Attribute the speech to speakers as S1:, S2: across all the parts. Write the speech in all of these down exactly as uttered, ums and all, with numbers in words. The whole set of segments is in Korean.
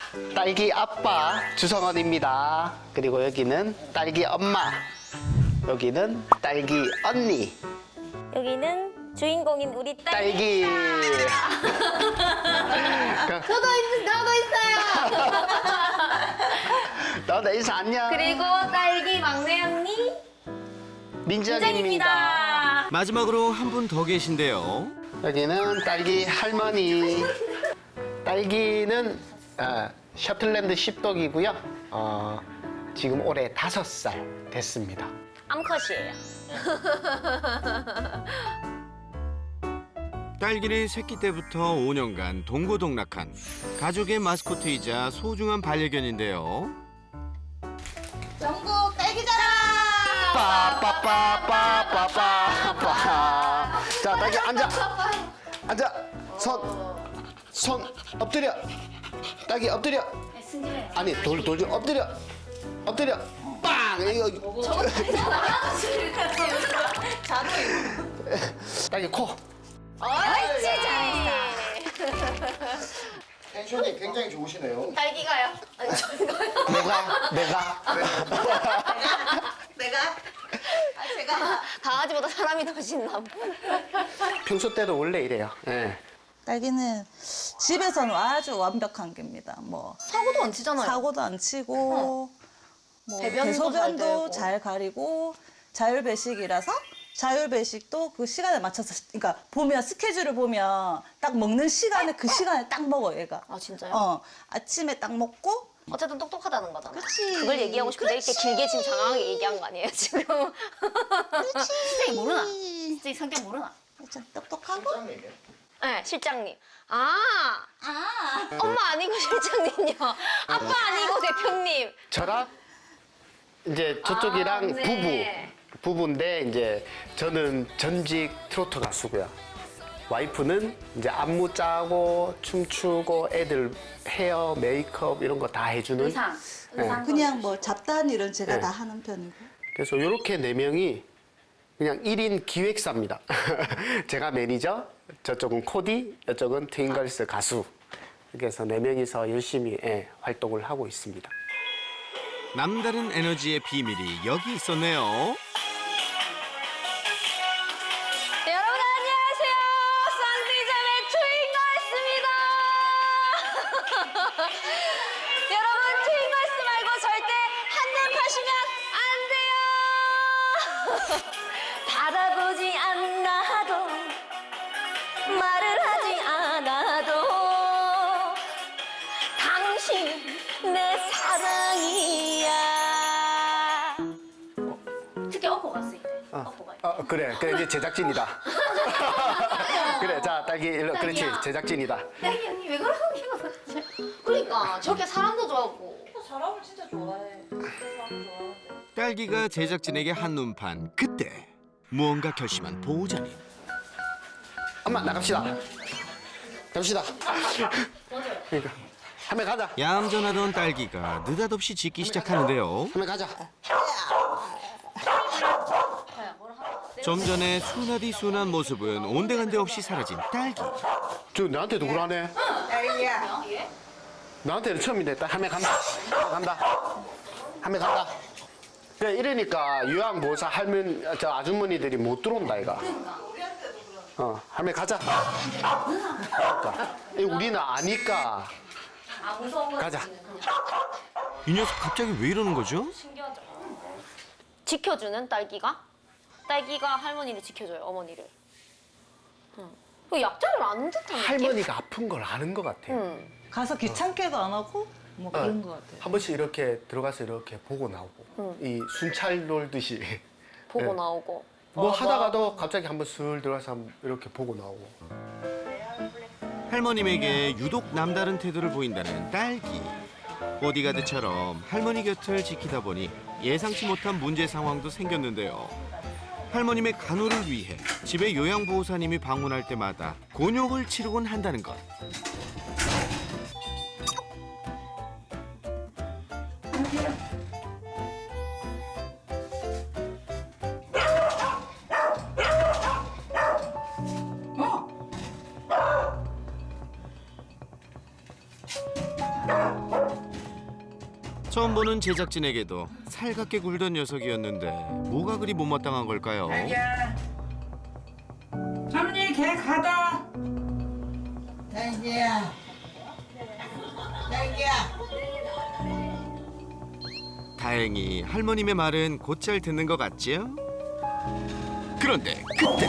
S1: 딸기 아빠 주성원입니다. 그리고 여기는 딸기 엄마, 여기는 딸기 언니,
S2: 여기는 주인공인 우리 딸.
S1: 딸기.
S2: 저도 있, 저도 있어요.
S1: 너도 인사 안녕.
S2: 그리고 딸기 막내 언니
S1: 민정입니다.
S2: 민정입니다.
S3: 마지막으로 한 분 더 계신데요.
S1: 여기는 딸기 할머니. 딸기는 어, 셔틀랜드 십독이고요. 어, 지금 올해 다섯 살 됐습니다.
S2: 암컷이에요.
S3: 딸기는 새끼 때부터 오 년간 동고동락한 가족의 마스코트이자 소중한 반려견인데요.
S2: 전국 딸기 자랑.
S1: 빠빠빠빠빠빠빠. 자, 딸기 앉아. 앉아. 손, 손 엎드려. 딸기 엎드려. 아니, 돌, 돌 좀 엎드려. 엎드려. 빵! 이거. 딸기 코.
S2: 옳지 잘했어.
S4: 텐션이 굉장히 좋으시네요.
S2: 딸기가요? 아니 저희가요?
S1: 내가, 내가.
S2: 내가? 아 제가 강아지보다 사람이 더 신나.
S1: 평소 때도 원래 이래요. 예.
S5: 딸기는 집에서는 아주 완벽한 개입니다. 뭐
S2: 사고도 안 치잖아요.
S5: 사고도 안 치고 뭐
S2: 대변도 잘 되고.
S5: 대소변도 잘 가리고 자율배식이라서 자율배식도 그 시간에 맞춰서 그러니까 보면 스케줄을 보면 딱 먹는 시간에 그 시간에 딱 먹어 얘가.
S2: 아 진짜요?
S5: 어 아침에 딱 먹고
S2: 어쨌든 똑똑하다는 거잖아.
S5: 그치.
S2: 그걸 얘기하고 싶은데 이렇게
S5: 그치.
S2: 길게 지금 장황하게 얘기한 거 아니에요 지금? 실장이 모르나? 실장이 성격 모르나?
S5: 좀 똑똑하고
S4: 실장님이요?
S2: 네, 실장님. 아, 아, 엄마 아니고 실장님요. 아빠 아니고 대표님.
S1: 저랑 이제 저쪽이랑
S2: 아, 네.
S1: 부부. 부부인데 이제 저는 전직 트로트 가수고요. 와이프는 이제 안무 짜고 춤추고 애들 헤어, 메이크업 이런 거 다 해주는.
S2: 의상,
S1: 네.
S2: 의상.
S5: 그냥 뭐 잡다한 일은 제가
S1: 네.
S5: 다 하는 편이고.
S1: 그래서 이렇게 네 명이 그냥 일 인 기획사입니다. 제가 매니저, 저쪽은 코디, 이쪽은 트윙걸스 가수. 그래서 네 명이서 열심히 예, 활동을 하고 있습니다.
S3: 남다른 에너지의 비밀이 여기 있었네요.
S2: 여러분 안녕하세요. 쌍디자매 트윙걸스입니다. 여러분 트윙걸스 말고 절대 한눈 파시면 안 돼요. 바라보지 않아도 말을 하지 않아도 당신 내 사랑이야. 특히 어퍼 갔을 때. 어퍼가.
S1: 어, 그래, 그래 이제 제작진이다. 그래, 자 딸기 일로, 그렇지,
S2: 딸기야.
S1: 제작진이다.
S2: 딸기 언니 왜 그러는 거야? 그러니까 저렇게 사람도 좋아하고.
S5: 사람을 진짜 좋아해. 사람 좋아하는데.
S3: 딸기가 제작진에게 한눈판 그때 무언가 결심한 보호자님.
S1: 엄마 나갑시다. 갑시다. 그러니까 한번 가자.
S3: 얌전하던 딸기가 느닷없이 짖기 시작하는데요.
S1: 한번 가자.
S3: 좀 전에 순하디 순한 모습은 온데간데 없이 사라진 딸기.
S1: 저 나한테도 그러네.
S5: 딸기야.
S1: 나한테는 처음인데 딱 한번 간다. 간다. 한번 간다. 그래 이러니까 요양보호사 할머니 저 아주머니들이 못 들어온다 이가. 어, 한번 가자. 그러니까. 이 우리는 아니까.
S2: 아 무서운 거
S1: 가자.
S3: 이 녀석 갑자기 왜 이러는 거죠?
S2: 신기하죠. 지켜주는 딸기가 딸기가 할머니를 지켜줘요 어머니를. 응. 그 약자를 아는 듯한 느낌?
S1: 할머니가 아픈 걸 아는 것 같아.
S2: 응.
S5: 가서 귀찮게도 안 하고 뭐 그런 것 같아요.
S1: 한 번씩 이렇게 들어가서 이렇게 보고 나오고.
S2: 응.
S1: 이 순찰 놀듯이.
S2: 보고
S1: 네.
S2: 나오고.
S1: 뭐
S2: 어,
S1: 하다가도 갑자기 한번 슬 들어가서 한번 이렇게 보고 나오고.
S3: 할머님에게 유독 남다른 태도를 보인다는 딸기. 보디가드처럼 할머니 곁을 지키다 보니 예상치 못한 문제 상황도 생겼는데요. 할머님의 간호를 위해 집에 요양보호사님이 방문할 때마다 곤욕을 치르곤 한다는 것. 처음 보는 제작진에게도 살갑게 굴던 녀석이었는데 뭐가 그리 못마땅한 걸까요?
S6: 딸기야. 할머니 개 가다.
S7: 딸기야. 딸기야.
S3: 다행히 할머님의 말은 곧잘 듣는 것 같지요? 그런데 그때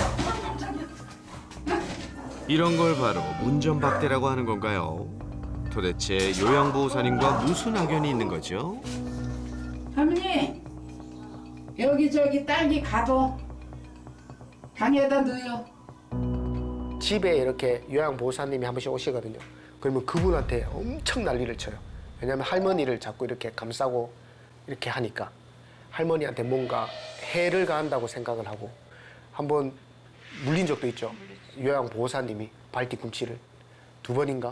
S3: 이런 걸 바로 문전박대라고 하는 건가요? 도대체 요양보호사님과 무슨 악연이 있는 거죠?
S6: 할머니 여기 저기 딸기 가둬. 방에다 넣어요.
S1: 집에 이렇게 요양보호사님이 한 번씩 오시거든요. 그러면 그분한테 엄청 난리를 쳐요. 왜냐하면 할머니를 자꾸 이렇게 감싸고 이렇게 하니까 할머니한테 뭔가 해를 가한다고 생각을 하고 한번 물린 적도 있죠. 요양보호사님이 발뒤꿈치를 두 번인가?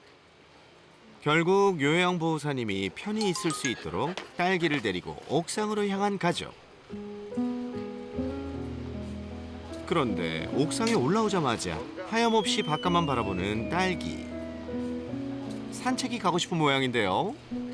S3: 결국 요양보호사님이 편히 있을 수 있도록 딸기를 데리고 옥상으로 향한 가족. 그런데 옥상에 올라오자마자 하염없이 바깥만 바라보는 딸기. 산책이 가고 싶은 모양인데요.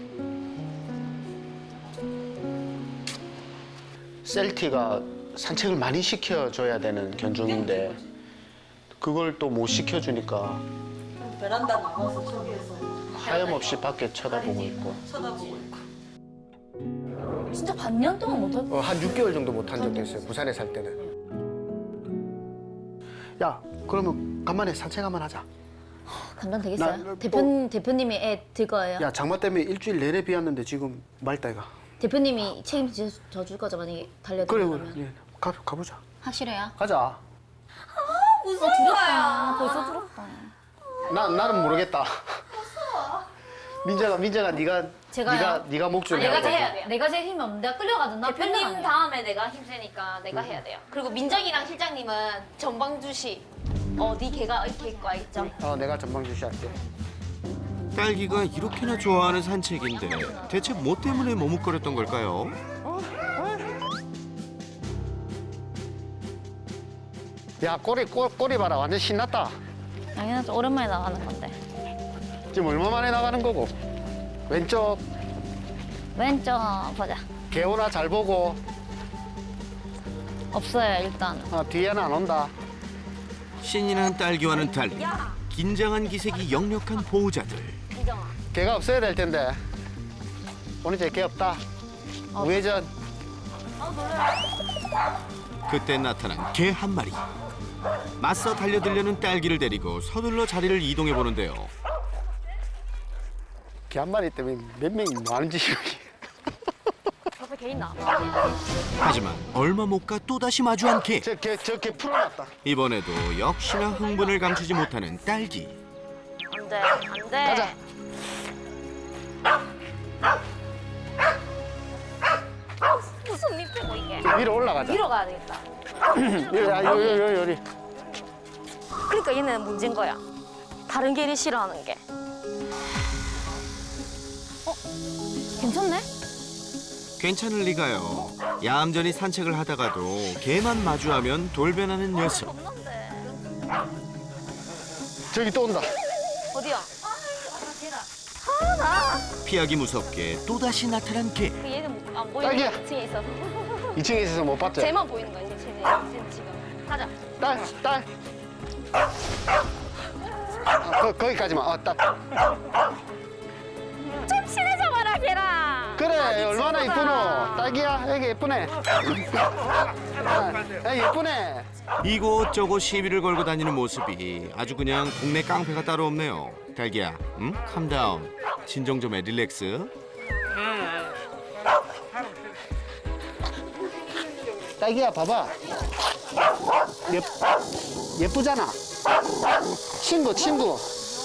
S1: 셀티가 산책을 많이 시켜줘야 되는 견종인데 그걸 또 못 시켜주니까
S5: 베란다 나와서 저기에서
S1: 하염없이 밖에 쳐다보고 있고
S5: 쳐다보고 있고.
S2: 진짜 반년 동안 못할
S1: 어, 한 육 개월 정도 못 한 적도 있어요. 부산에 살 때는. 야, 그러면 간만에 산책 한번 하자.
S2: 감당 되겠어요?
S1: 나, 뭐-
S2: 대표 대표님이 애 들 거예요?
S1: 야, 장마 때문에 일주일 내내 비 왔는데 지금 맑다 이가.
S2: 대표님이 책임져 줄 거죠 만약에
S1: 그래,
S2: 달려들면?
S1: 그래. 예, 가, 가보자.
S2: 확실해요?
S1: 가자.
S2: 벌써 두렵다. 벌써 두렵다.
S1: 나 나는 모르겠다. 민정아, 민정아, 네가
S2: 제가요?
S1: 네가 네가 목줄
S2: 내가
S1: 해야
S2: 제일
S1: 돼.
S2: 해야 돼요. 내가 제일 힘이 없는데 내가 끌려가든 나
S8: 대표님
S2: 대표님 다
S8: 다음에 내가 힘세니까 내가 해야 돼요. 그리고 민정이랑 실장님은 전방주시. 어, 네 개가 이렇게 있고 알겠죠?
S1: 어, 내가 전방 주시할게.
S3: 딸기가 이렇게나 좋아하는 산책인데 대체 뭐 때문에 머뭇거렸던 걸까요?
S1: 야, 꼬리 꼬, 꼬리 봐라. 완전 신났다.
S2: 당연하죠. 오랜만에 나가는 건데.
S1: 지금 얼마 만에 나가는 거고. 왼쪽
S2: 왼쪽 보자.
S1: 개오나 잘 보고.
S2: 없어요 일단은.
S1: 어, 뒤에는 안 온다.
S3: 신이 난 딸기와는 달리 긴장한 기색이 역력한 보호자들.
S1: 개가 없어야 될 텐데. 오늘 이제 개 없다. 우회전.
S3: 그때 나타난 개 한 마리. 맞서 달려들려는 딸기를 데리고 서둘러 자리를 이동해 보는데요.
S1: 개 한 마리 때문에 몇 명이 뭐 하는 짓이야.
S2: 옆에 개 있나?
S3: 하지만 얼마 못 가 또다시 마주한 개.
S1: 저 개, 저 개 풀어놨다.
S3: 이번에도 역시나 흥분을 감추지 못하는 딸기.
S2: 안돼 안돼.
S1: 가자.
S2: 무슨 밑 빼고 이게?
S1: 위로 올라가자.
S2: 위로 가야 되겠다.
S1: 여기, 아, 여기, 여기, 여기.
S2: 그러니까 얘는 문제인 거야. 다른 개를 싫어하는 게. 어? 괜찮네?
S3: 괜찮을 리가요. 얌전히 산책을 하다가도 개만 마주하면 돌변하는 녀석.
S1: 저기 또 온다.
S2: 어디야?
S3: 피하기 무섭게 또다시 나타난 개.
S2: 그 얘는 안 보이는
S1: 딸기야.
S2: 이 층에 있어서.
S1: 이 층에 있어서 못 봤지?
S2: 쟤만 보이는 거야 이제 쟤네 쟤는 지금. 가자.
S1: 딸, 딸. 아, 거, 거기까지만. 어, 딸.
S2: 좀 친해져 봐라 걔랑.
S1: 그래, 얼마나 이쁘노. 딸기야, 여기 예쁘네. 야, 예쁘네.
S3: 이곳저곳 시비를 걸고 다니는 모습이 아주 그냥 동네 깡패가 따로 없네요. 딸기야, 응? 캄다운. 진정 좀 해, 릴렉스.
S1: 딸기야, 봐봐. 예, 예쁘잖아. 친구, 친구.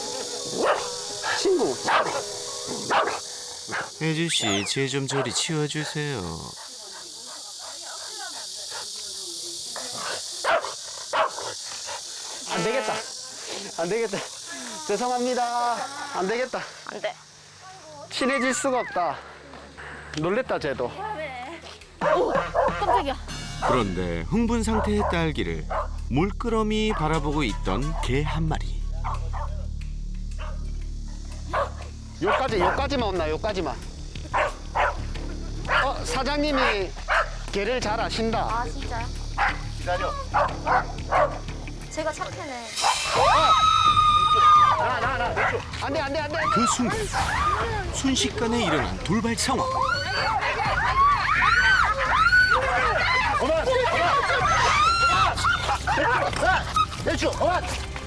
S1: 친구.
S3: 혜주 씨, 제 좀 저리 치워주세요.
S1: 안 되겠다. 안 되겠다. 죄송합니다. 안 되겠다.
S2: 안 돼.
S1: 친해질 수가 없다. 놀랬다, 쟤도.
S2: 오 깜짝이야.
S3: 그런데 흥분 상태의 딸기를 물끄러미 바라보고 있던 개 한 마리.
S1: 요까지, 요까지만 온나, 요까지만. 사장님이 개를 잘 아신다.
S2: 아 진짜요?
S4: 기다려.
S2: 제가 착해네.
S1: 나, 나, 나. 안 돼, 안 돼, 안 돼.
S3: 그 순간 순식간에 일어난 돌발 상황.
S1: 어만! 어만! 내주! 어만!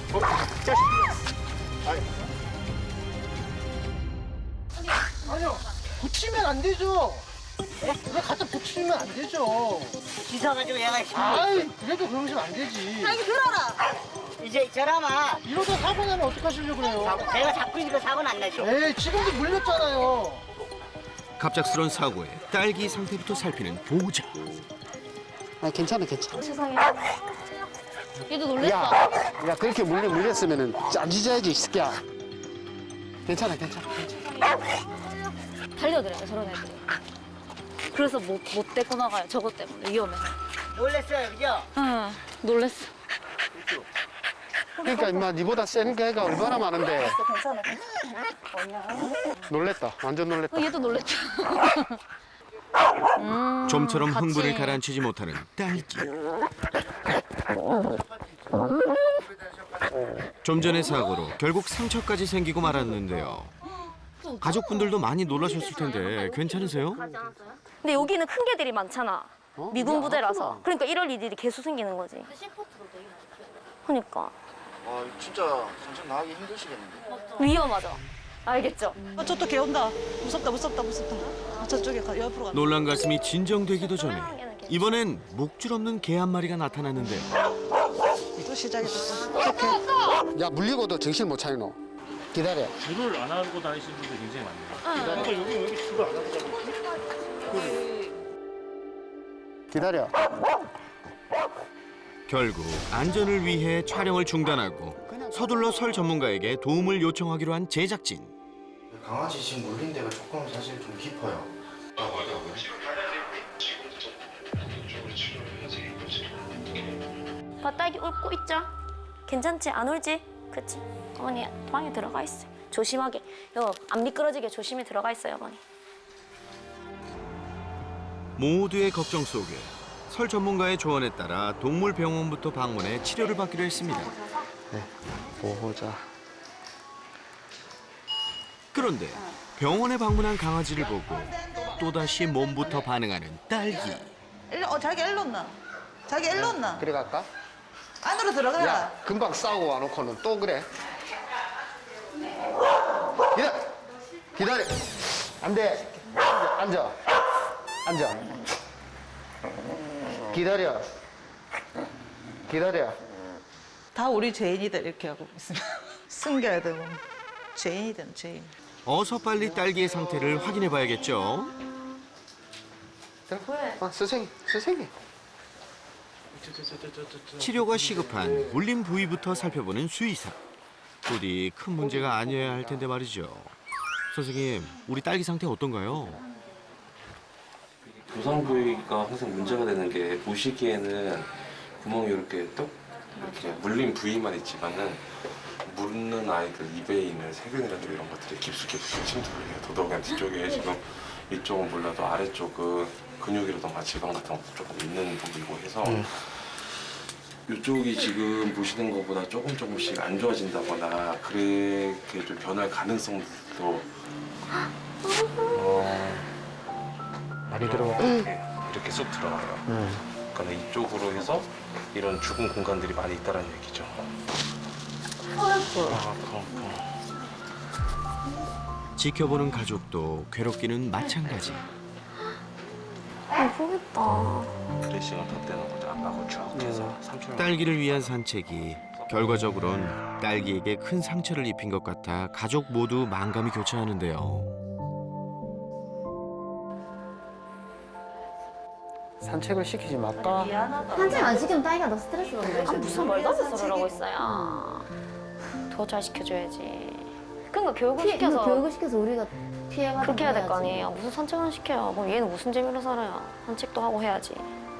S4: 아니요. 붙이면 안 되죠. 왜 갖다 붙이면 안 되죠.
S7: 씻어가지고 얘가
S4: 아이, 그래도 그러시면 안 되지.
S7: 이제 저라마
S4: 이러다 사고 나면 어떡하시려고 그래요?
S7: 내가 잡고 있으니까 사고는 안 나죠.
S4: 에이, 지금도 물렸잖아요.
S3: 갑작스런 사고에 딸기 상태부터 살피는 보호자.
S1: 아, 괜찮아, 괜찮아.
S2: 세상에. 얘도 놀랬어.
S1: 야, 야, 그렇게 물려, 물렸으면은 안 짖어야지, 이 새끼야. 괜찮아, 괜찮아, 괜찮아.
S2: 달려들어요 저런 애들이. 그래서 못, 못 데리고 나가요. 저것 때문에 위험해서.
S7: 놀랬어요, 그죠?
S2: 응, 놀랬어.
S1: 그러니까 임마 니보다 센 개가 얼마나 많은데.
S5: 괜찮아.
S1: 놀랬다. 완전 놀랬다.
S2: 어, 얘도 놀랬죠. 음,
S3: 좀처럼
S2: 같이.
S3: 흥분을 가라앉히지 못하는 딸기. 좀 전의 사고로 결국 상처까지 생기고 말았는데요. 가족분들도 많이 놀라셨을 텐데 괜찮으세요?
S2: 근데 여기는 큰 개들이 많잖아.
S1: 어?
S2: 미군
S1: 야,
S2: 부대라서.
S1: 아프다.
S2: 그러니까 이럴 일들이 계속 생기는 거지. 그러니까
S4: 아, 진짜 전쟁 나가기 힘드시겠는데.
S2: 위험하죠. 알겠죠?
S5: 아, 저또 개 온다. 무섭다, 무섭다, 무섭다. 아, 저쪽에 가, 옆으로 가.
S3: 놀란 가슴이 진정되기도 전에 이번엔 목줄 없는 개 한 마리가 나타났는데
S5: 또 시작이됐어. 어떡해.
S1: 야, 물리고도 정신 못 차리노. 기다려.
S9: 줄을 안 하고 다니시는 분들 굉장히 많네요.
S1: 기다려.
S9: 여기 여기 줄을 안 하고 다니시는
S1: 기다려.
S3: 결국 안전을 위해 촬영을 중단하고 서둘러 설 전문가에게 도움을 요청하기로 한 제작진.
S4: 강아지 지금 물린 데가 조금 사실 좀 깊어요.
S2: 봐, 딸기 울고 있죠? 괜찮지? 안 울지? 그치? 어머니 방에 들어가 있어요. 조심하게. 요, 안 미끄러지게 조심히 들어가 있어요, 어머니.
S3: 모두의 걱정 속에 설 전문가의 조언에 따라 동물병원부터 방문해 치료를 받기로 했습니다.
S1: 보호자.
S3: 그런데 병원에 방문한 강아지를 보고 또다시 몸부터 반응하는 딸기.
S5: 일로, 어, 자기 일로 온나? 자기 일로 온나?
S1: 그래 갈까?
S5: 안으로 들어가라.
S1: 야, 금방 싸우고 와놓고는 또 그래. 기다려. 기다려. 안 돼. 앉아. 앉아. 기다려. 기다려.
S5: 다 우리 죄인이들 이렇게 하고 있으면 숨겨야 되고. 죄인이든 죄인.
S3: 어서 빨리 딸기의 상태를 확인해 봐야겠죠.
S1: 아, 선생님, 선생님.
S3: 치료가 시급한 물린 부위부터 살펴보는 수의사. 부디 큰 문제가 아니어야 할 텐데 말이죠. 선생님, 우리 딸기 상태 어떤가요?
S10: 부상 부위가 항상 문제가 되는 게 보시기에는 구멍이 이렇게 똑 이렇게 물린 부위만 있지만은 물는 아이들 입에 있는 세균이라든가 이런 것들이 깊숙이 침투를 해요. 더더욱이 뒤쪽에 지금 이쪽은 몰라도 아래쪽은 근육이라든가 지방 같은 것도 조금 있는 부분이고 해서 이쪽이 지금 보시는 것보다 조금 조금씩 안 좋아진다거나 그렇게 좀 변할 가능성도 어,
S1: 많이 들어가.
S10: 이렇게, 이렇게 쑥 들어가요. 그러니까 이쪽으로 해서 이런 죽은 공간들이 많이 있다는 얘기죠. 아, 아파, 아파.
S3: 지켜보는 가족도 괴롭기는 마찬가지.
S2: 아프겠다.
S10: 드레싱을 덧대는 거죠. 압박을 쭉 해서 삼촌
S3: 딸기를 위한 산책이 결과적으론 딸기에게 큰 상처를 입힌 것 같아 가족 모두 만감이 교차하는데요.
S1: 산책을 시키지 말까?
S8: 산책 안 시키면 딸기가 더 스트레스 받는다.
S2: 아, 무슨 말도 안 되는 소리를 하고 있어요. 더 잘 시켜줘야지. 그러니까 교육을 시켜서
S8: 교육을 시켜서 우리가 피해가
S2: 그렇게 해야 될 거 아니에요. 무슨 산책을 시켜요. 그럼 얘는 무슨 재미로 살아요. 산책도 하고 해야지.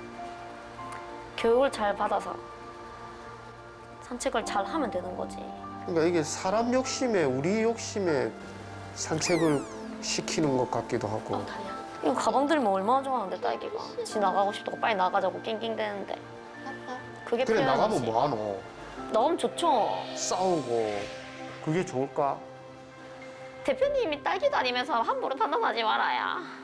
S2: 교육을 잘 받아서 산책을 잘 하면 되는 거지.
S1: 그러니까 이게 사람 욕심에 우리 욕심에 산책을 시키는 것 같기도 하고.
S2: 이거 가방 들면 얼마나 좋아하는데 딸기가. 지 나가고 싶다고 빨리 나가자고 낑낑대는데. 그게
S1: 그래
S2: 표현이지.
S1: 나가면 뭐하노?
S2: 나가면 좋죠.
S1: 싸우고 그게 좋을까?
S2: 대표님이 딸기 다니면서 함부로 판단하지 말아야.